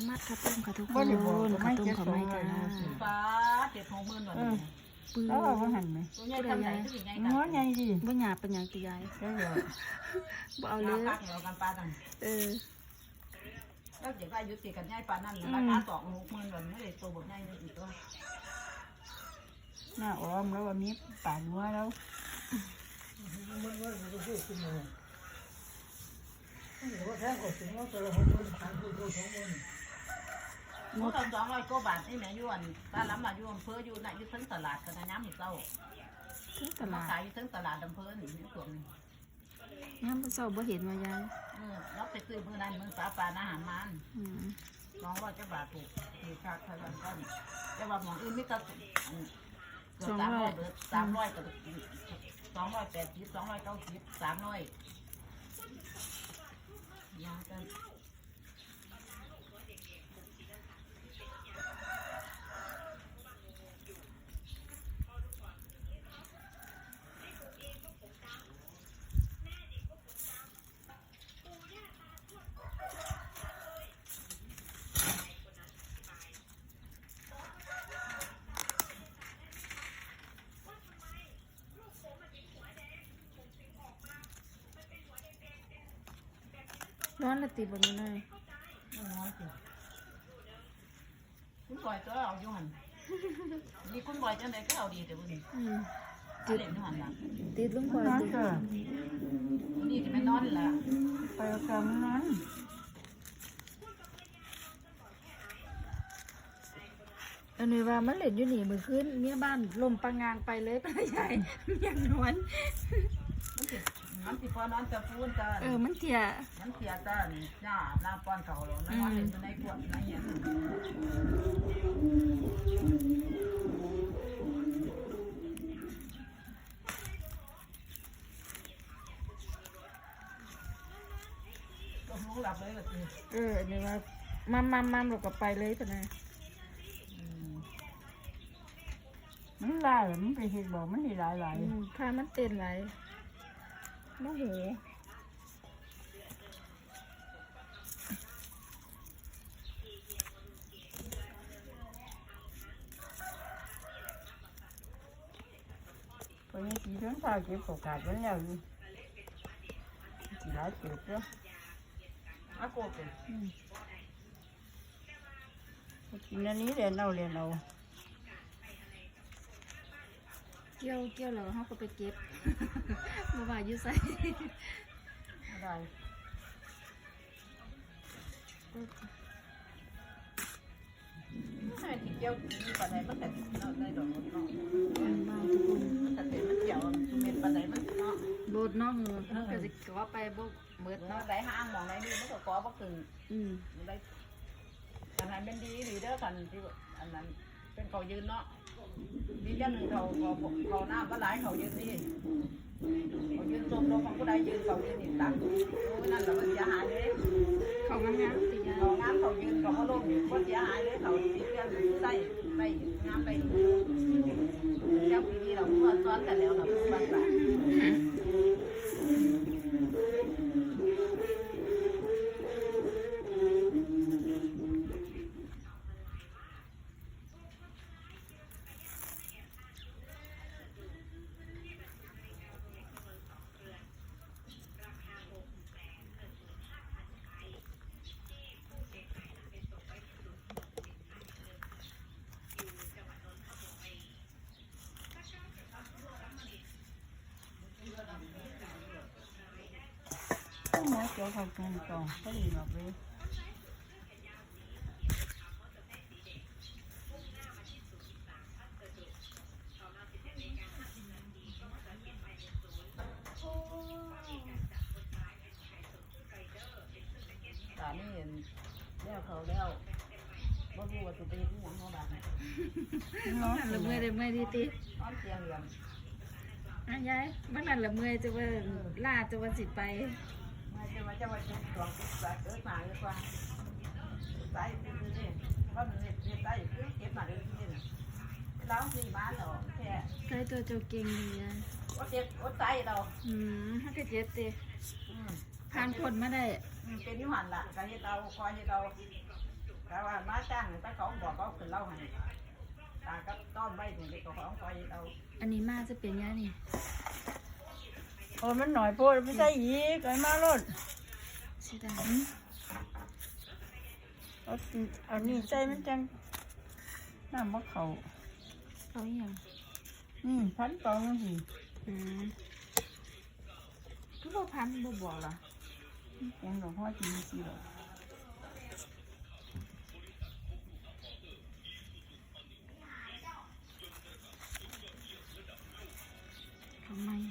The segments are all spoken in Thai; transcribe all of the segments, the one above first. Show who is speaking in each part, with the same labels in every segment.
Speaker 1: มัดข้าวต้มค่ะทุกคนข้าวต้มข้าวไม้จ้า
Speaker 2: ฟ้า7-60,000หน่อย
Speaker 1: ปื้
Speaker 3: แล้วเราก็หันไหม
Speaker 2: ตัวใหญ่ทำไหนตัวใหญ่
Speaker 3: ง้อใหญ่ดิ
Speaker 1: บ่หยาบเป็นหยังตียาย
Speaker 3: ได้เลย
Speaker 1: บ่เอาเล
Speaker 2: เอา
Speaker 1: ย
Speaker 2: พักเอากันปลาตัง แล้วเดี๋ยวก็อายุติกันใหญ่ปลานั่นราคา2-60,000วันไม่ได้ตัวบดใหญ่อีกตัว
Speaker 3: หน้าอ้อมแล้ววันนี้ป่านัวแล้ว
Speaker 2: หมด200กว่าบาทนี่แม่ยวนตาล้ำมาอยู่อำเภออยู่น่ะอยู่ทั้งตลาดกันนะย้ำอีกเจ้า
Speaker 1: ที่ต
Speaker 2: มา
Speaker 1: ลาด
Speaker 2: ขายอยู่ทั้งตลาดอำเภอนี่ส่วน
Speaker 1: ยามมื้อเช้าบ่เห็นว่ายาย
Speaker 2: เราไปซื้อมื้อนั้นมื้อสาปลาอาหารมัน
Speaker 1: อืม
Speaker 2: 200กว่าบาทถูกค่าเท่านั้นก็แต่ว่าหมองอื่นมีแต่300เบิด300ก็280 290 300ยากัน
Speaker 1: ร้อนละติบ่นี่เลย
Speaker 2: คุณบอยตัวเอาอยู่หันนี่คุณบอยจังไดก็เอาดีแต่บุญ
Speaker 1: อืม
Speaker 2: ติดเล่นอยู่หันล่ะ
Speaker 1: ติดลงบ่
Speaker 3: นอน
Speaker 1: ติด
Speaker 3: เถอะ
Speaker 2: วันนี้จะไม่นอนละ
Speaker 3: ไปเอากำนั้น
Speaker 1: อันนี้ว่ามันเล่นอยู่นี่มื้อคืนเมียบ้านลมปางางไปเลยไปยายยังนอน
Speaker 2: มันสิพอนอนจะพูนจะ
Speaker 1: มันเถี่ย
Speaker 2: มันเสียจ้าหน้าป้อนเขาแล้วนอนเล่นอยู่ในกวดในเงี้ยก็รู้หลับเลยแบบนี้
Speaker 1: อันนี้ว่ามัมเราก็ไปเลยปะนะ
Speaker 3: มันลายมันไปเห็ดบอกมันหลายหลาย
Speaker 1: พามันเต้นไหลโมโห
Speaker 3: พอนี้สีทั้งเท้าเก็บโอกาสมันแล้วอยู่สีหลายเก็บแล้ว
Speaker 2: อาโกเป็น
Speaker 3: กินอันนี้เรียนเอา
Speaker 1: เกี่ยวแล้วเขาก็ไปเก็บ มาว่าอยู่ใส่
Speaker 2: ได้ให้ที่เกี่ยวมีปัจจัยมันแต่เราได้ดอกเนาะ
Speaker 1: บ้านทุกคน
Speaker 2: มันแต่มันเกี่ยวเป็นปัจจัยมันเนาะ
Speaker 1: โดดน้องเขาก็จะก็ไปบ่เบิด
Speaker 2: เนาะ
Speaker 1: เนาะ
Speaker 2: ได้ห้างมองได้นี่มันก็ก่อบ่ถึง ได้อันนั้นเป็นดีหรือเด้อกันที่อันนั้นเป็นเขายืนเนาะดีอย่างหนึ่งเขาหน้าก็หลายเขายืนนี่เขายืนชมลงของผู้ใดยืนเขายืนนี่ตักนั่นแหละมันเสียหายเลย
Speaker 1: เขางามๆสิยาย
Speaker 2: เขางามเขายืนเขาก็ลงก็เสียหายเลยเขาตีเรื่องได้งามได้เจ้าปีนี้เราเมื่อซ้อนกันแล้วเราบ้าน
Speaker 3: ก็หมอเกี่ยวกับการกองก็ดีหรอกเลย
Speaker 2: ตานี่เห็นแล้วเขาแล้วบ่รู้ว่าจะเป็นที่ยังเขาบ้าง
Speaker 3: เนาะ
Speaker 1: นั่นละเมื่อยได้เมื่อยดีติ
Speaker 2: นอนเตียงเหลี่ยม
Speaker 1: ยายมันนั่นละเมื่อยจะว่าล่าจะว่าสิไป
Speaker 2: ไม่ใช่ว่าจะมาจุดสองจุดสามเกิดมาเลยกว่าใส่คือนี่ว่ามันเนี่ยใส่คือเก็บมาเลยที่นี่แล้วสี่บ้านเราแค่
Speaker 1: ใกล้ตัวเจ้าเก่งดียาย
Speaker 2: ว่าเจ็บว่าใส่เรา
Speaker 1: ฮักก็เจ็บติผ่านผลมาได้
Speaker 2: เป็นยุหันละการที่เราคอยที่เราแต่ว่ามาจ้างแต่เขาบอกเขาขึ้นเล่าให้ตาก็ต้อนไว้ถึงเด็กเขาของคอยเรา
Speaker 1: อันนี้มาจะเป็นยังนี่
Speaker 3: โอ้มันหน่อยโพดไม่ใช่อีกไอ้มาโลด
Speaker 1: เสียดาย
Speaker 3: เอานี่ใจมันจังน้ำมะเขา
Speaker 1: เขาอหย่าง
Speaker 3: พันตองนั่นสิ
Speaker 1: ทุกพันบ่บอกเหรอ
Speaker 3: ยังดอกหัวจีสิดอก
Speaker 1: ทำไม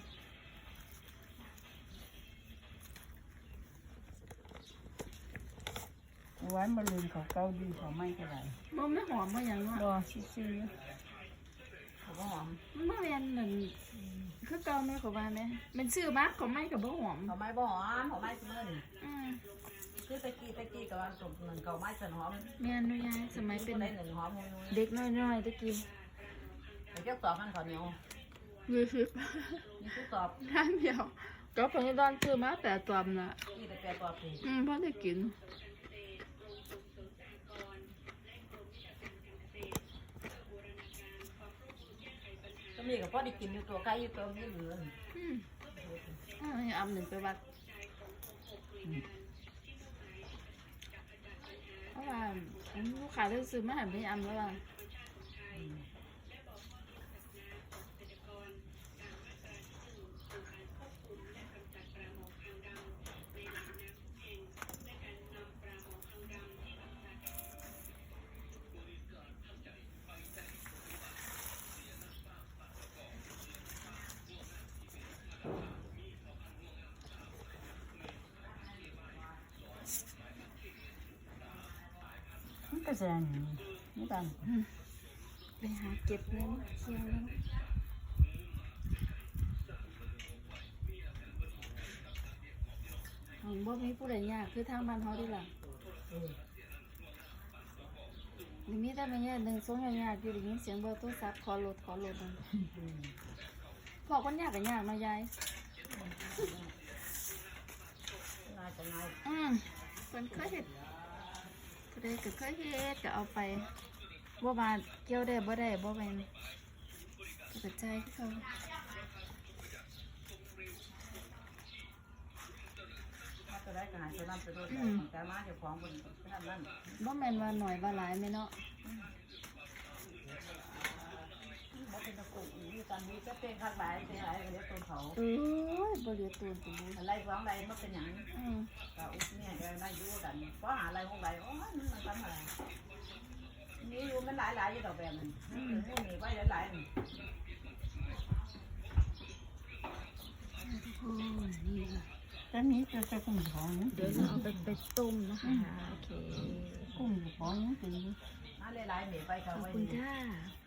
Speaker 3: ไว้มาลืมเขาเก้าดีเขาไม่ก็ได้
Speaker 1: บ่ไม่หอมบ่อย่างเนาะ
Speaker 3: รอซื่อ
Speaker 2: เขาก็หอม
Speaker 1: มันบ่แม่นเหมือนคือเก่าแม่ก็ว่าแม่มันซื้อมาก็ไม่ก็บ่หอม
Speaker 2: เขาไม้บ่หอมเขาไม้เสมอนี่
Speaker 1: อืม
Speaker 2: คือตะกี้กับวันตกหนึ่งเขาไม้เสนหอม
Speaker 1: แม่นุยายสมัยเป็น
Speaker 2: ได้หนึ่งหอมมู
Speaker 1: เด็กน้อยๆตะกี้
Speaker 2: ไอ้เจ้าสอบมันเขาเหนียว
Speaker 1: 20
Speaker 2: นี่คือสอบ
Speaker 1: น้ำเดียวก็เพิ่นตอนซื้อมาแต่ตอมน่ะ
Speaker 2: ที่แต่แปรสอบสิ
Speaker 1: พอได้กิน
Speaker 2: ก็มีกับพ่อได้กินอยู่ตัวไก่อยู่ตัวนี้เหลือ
Speaker 1: นี่อำหนึ่งไปวัดเพราะว่าลูกค้าได้ซื้อมาหันไปอำแล้วว่า
Speaker 3: ๆมันก็แสงนี่ตัน
Speaker 1: ไปหาเก็บเงินเที่ยวแล้วของบ่มีผู้ใดยากคือทางบ้านเฮาดีล่ะนี่มีแต่แม่ย่าหนึ่งสองยากอยู่ได้ยินเสียงเบอร์โทรศัพท์ขอโหลดนั่นพอคนยากก็ยากมายาย
Speaker 2: น่าจะง่าย
Speaker 1: เพิ่นเคยเฮ็ดก็ได้ก็เคยเฮ็ดก็เอาไปบ่มาเกี่ยวได้บ่ได้บ่แม่นก็กระจายคือเขา
Speaker 2: ถ้าจะได้ก็หายจะนำไปด้วยแต่มาเจ้าของบนนั่น
Speaker 1: บ่แม่นว่าหน่อยว่าหลายแม่เนาะ
Speaker 2: บ่เป็นตะกุ่มอยู่กันนี้ก็เป็นข้างหลายเป็นหลายเดี๋ยวตัวเขา
Speaker 1: เอ้ยบ่เหลือตัวจริง
Speaker 2: อะไรฟ้องอะไรมันเป็นอย่าง
Speaker 1: อืม
Speaker 2: ก็อุ๊บเนี่ยก็ได้อยู่กันเพราะหาอะไรของอะไรโอ้ยมันทำอะไรนี่อยู่มันหลายอยู่ดอกแบบนั้นนี่มีไว้หลาย
Speaker 1: โอ้ยนี่ค่ะ
Speaker 3: แต่นี้จะกุ้งของ
Speaker 1: เดี๋ยวเราเอาไปต้มนะคะโอเค
Speaker 3: กุ้งของนี่เป็น
Speaker 2: มาหลายมีไป
Speaker 1: ข
Speaker 2: เขา
Speaker 1: อบ
Speaker 2: ไว้
Speaker 1: คุณค่ะ